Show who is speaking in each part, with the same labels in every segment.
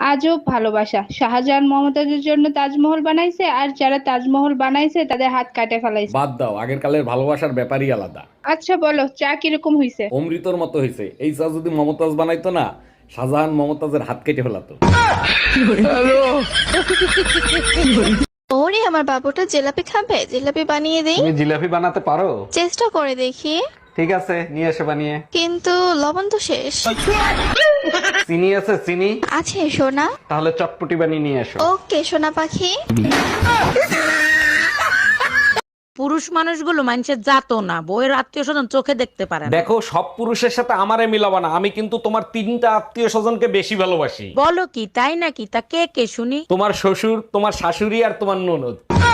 Speaker 1: আজব ভালোবাসা, শাহজাহান মমতাজের জন্য তাজমহল বানাইছে আর যারা তাজমহল বানাইছে তাদের হাত কাটে ফেলাইছে।
Speaker 2: বাদ দাও, আগের কালের ভালোবাসার ব্যাপারই আলাদা।
Speaker 1: আচ্ছা বলো, চা কিরকম হইছে?
Speaker 2: অমৃতর মতো হয়েছে। এই চা যদি মমতাজ বানাইতো না, শাহজাহান মমতাজের হাত কেটে ফেলাতো।
Speaker 3: ওরে আমার বাবুটা জিলাপি খাবে, জিলাপি বানিয়ে দেই।
Speaker 4: তুমি জিলাপি বানাতে পারো?
Speaker 3: চেষ্টা করে দেখি।
Speaker 4: ঠিক আছে, নিয়ে এসে বানিয়ে।
Speaker 3: কিন্তু লবণ তো শেষ।
Speaker 4: চিনি আছে? চিনি
Speaker 3: আছে সোনা।
Speaker 4: তাহলে চটপটি বানিয়ে নিয়ে এসো।
Speaker 3: ওকে সোনা পাখি।
Speaker 5: পুরুষ মানুষগুলো মানুষের জাতো না, বইয়ের আত্মীয় স্বজন চোখে দেখতে পারে না।
Speaker 2: দেখো, সব পুরুষের সাথে আমারে মিলাবা না। আমি কিন্তু তোমার 3টা আত্মীয় স্বজনকে বেশি ভালোবাসি।
Speaker 5: বলো কি, তাই নাকি? তা কে কে শুনি?
Speaker 2: তোমার শ্বশুর, তোমার শাশুড়ি আর তোমার ননদ।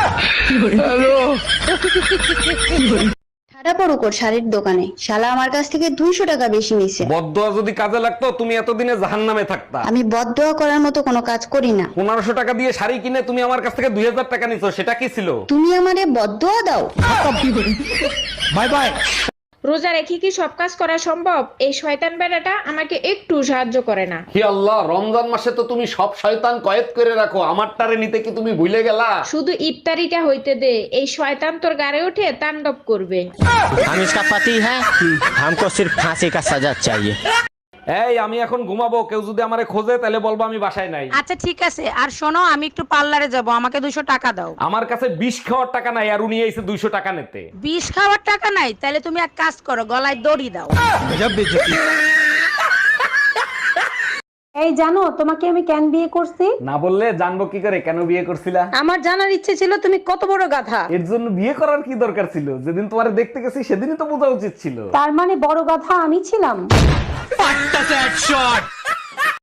Speaker 6: ঠাডা পড়ুক ওর শাড়ির দোকানে, শালা আমার কাছ থেকে 200 টাকা বেশি নিছে।
Speaker 2: বদদোয়া যদি কাজে লাগতো, তুমি এতদিনে জাহান্নামে থাকতা।
Speaker 6: আমি বদদোয়া করার মতো কোনো কাজ করি না।
Speaker 2: 1500 টাকা দিয়ে শাড়ি কিনে তুমি আমার কাছ থেকে 2000 টাকা নিছো, সেটা কি ছিল?
Speaker 6: তুমি আমারে বদদোয়া দাও?
Speaker 2: Bye bye.
Speaker 7: রোজা রেখে কি সব কাজ করা সম্ভব? এই শয়তান বেড়াটা আমাকে একটু সাহায্য করে না।
Speaker 2: হি আল্লাহ, রমজান মাসে তো তুমি সব শয়তান কয়েদ করে রাখো, আমারটারে নিতে কি তুমি ভুলে গেলা?
Speaker 7: শুধু ইফতারিটা হইতে দে, এই শয়তান তোর গাড়ে উঠে তাণ্ডব করবে।
Speaker 8: हम इसका पति है, हमको सिर्फ फांसी का सजा चाहिए।
Speaker 2: এই, আমি এখন ঘুমাবো। কেউ যদি আমারে খোঁজে তাহলে বলবো আমি বাসায় নাই।
Speaker 5: আচ্ছা ঠিক আছে, আর শোনো, আমি একটু পার্লারে যাব, আমাকে 200 টাকা দাও।
Speaker 2: আমার কাছে বিষ খাওয়ার টাকা নাই, আর উনি এসে 200 টাকা নিতে।
Speaker 5: বিষ খাওয়ার টাকা নাই? তাহলে তুমি এক কাজ করো, গলায় দড়ি দাও।
Speaker 9: এই জানো তোমাকে আমি কেন বিয়ে করছি?
Speaker 2: না বললে জানবো কি করে কেন বিয়ে করছিলা?
Speaker 9: আমার জানার ইচ্ছে ছিল তুমি কত বড় গাধা।
Speaker 2: এর জন্য বিয়ে করার কি দরকার ছিল? যেদিন তোমারে দেখতে গেছি সেদিনই তো বোঝা উচিত ছিল।
Speaker 9: তার মানে বড় গাধা আমি ছিলাম।